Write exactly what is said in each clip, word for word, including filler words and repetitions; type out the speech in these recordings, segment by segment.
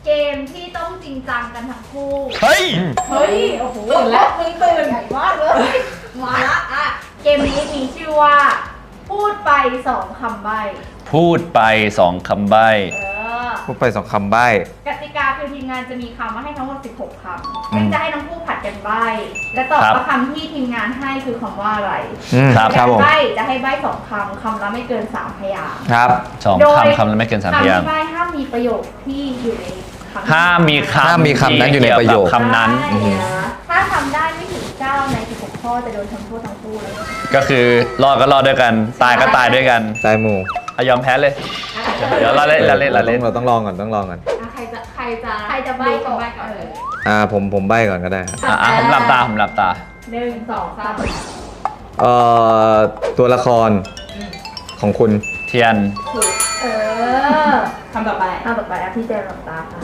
เกมที่ต้องจริงจังกันทั้งคู่เฮ้ยเฮ้ย โอ้โหตื่นแล้วมึงตื่นใหญ่มากเลย มาละอ่ะ เกมนี้มีชื่อว่า พูดไปสองคำใบ้พูดไปสองคำใบ้เออพูดไปสองคำใบ้กติกาคือทีมงานจะมีคำมาให้ทั้งหมดสิบหกคำอืมจะให้ทั้งคู่ผัดกันใบ้ และตอบว่าคำที่ทีมงานให้คือคำว่าอะไรอืมครับครับผมใบ้จะให้ใบ้สองคำคำละไม่เกินสามพยางค์ครับสองโดยคำคำแล้วไม่เกินสามพคำยางที่ค์ใบ้ห้ามมีประโยคที่อยู่ในคำห้ามมีคำห้ามมีคำนั้นอยู่ในประโยคที่เกี่วกับคำนั้นใช่นะถ้าทำได้ไม่ถึงเก้าในสิบหกข้อจะโดนทำโทษทั้งคู่เลยก็คือรอดก็รอดด้วยกัน ตายก็ตายด้วยกันตายหมู่อ่ะยอมแพ้เลย เดี๋ยวเราเล่นเราเล่นเราต้เล่อน งเราต้องลองก่อนต้องลองก่อนอ่ะใครจะใครจะใครจะใบ้ก่อนใบ้ก่อนเลยอ่าผมผมใบ้ก่อนก็ได้ครับอ่ะอ่ะผมหลับตาผมหลับตาหนึ่งสองสามเอ่อตัวละครของคุณเทียนถูกเออคำต่อไปคำต่อไปอ่ะพี่เจมส์หลับตาค่ะ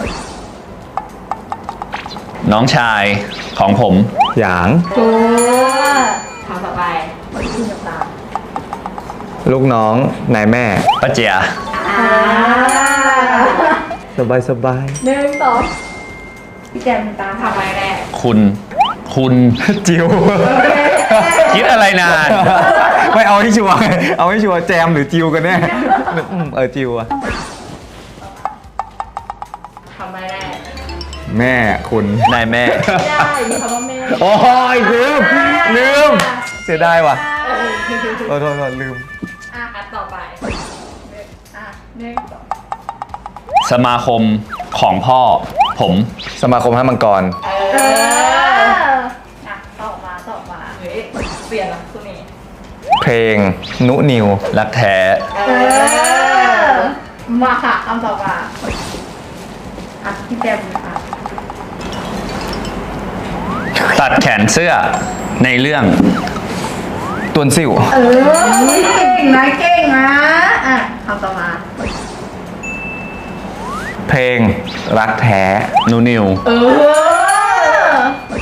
น้องชายของผมหยางถูกคำต่อไปพี่หลับตาลูกน้องนายแม่ป้าเจียอ่าสบายสบายหนึ่งสองพี่แจมตามทำไปแรกคุณ คุณจิวคิดอะไรนานไม่เอาให้ชัวร์เอาให้ชัวร์แจมหรือจิวกันแน่อืมเออจิวอะทำไปแรกแม่คุณนายแม่ไม่ได้มีคำว่าแม่โอ้ยลืมลืมเสียดายว่ะโทษโทษโทษลืมอ่ะอันต่อไปอ่ะหนึ่งสองสมาคมของพ่อ ผมสมาคมให้มังกรเอออ่ะต่อมาต่อมาเฮ้ยเปลี่ยนละคุณนี่เพลงนุนิวรักแท้เออมาค่ะคำต่อมาอ่ะพี่แจมค่ะตัดแขนเสื้อในเรื่องตวนซิ่วเออเก่งนะเก่งนะอ่ะคำต่อมาเพลงรักแท้นูนิวเออ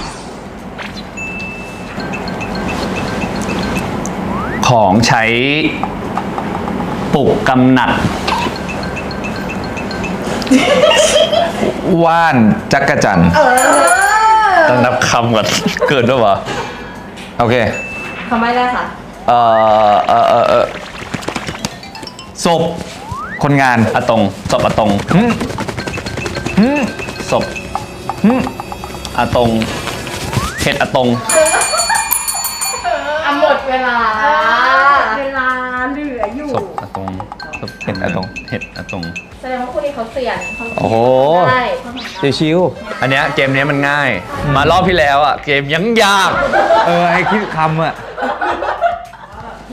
ของใช้ปลุกกำหนัดว่านจักรจันทร์เออต้องนับคำก่อน เกิดด้วยวะโอเคคำใบ้แรกค่ะเอ่อเอ่อเอ่อเอ่อศพคนงานอะตงศพอะตงหึหึศพหึอะตงเห็ดอะตงอ่ะหมดเวลาเวลาเหลืออยู่ศพอะตงศพเห็ดอะตงเห็ดอะตงแสดงว่าคู่นี้เขาเสี่ยงเขาโอ้โหได้ชิวอันเนี้ยเกมเนี้ยมันง่าย มารอบที่แล้วอ่ะ เกมยังยากๆเออไอคิดคำอะ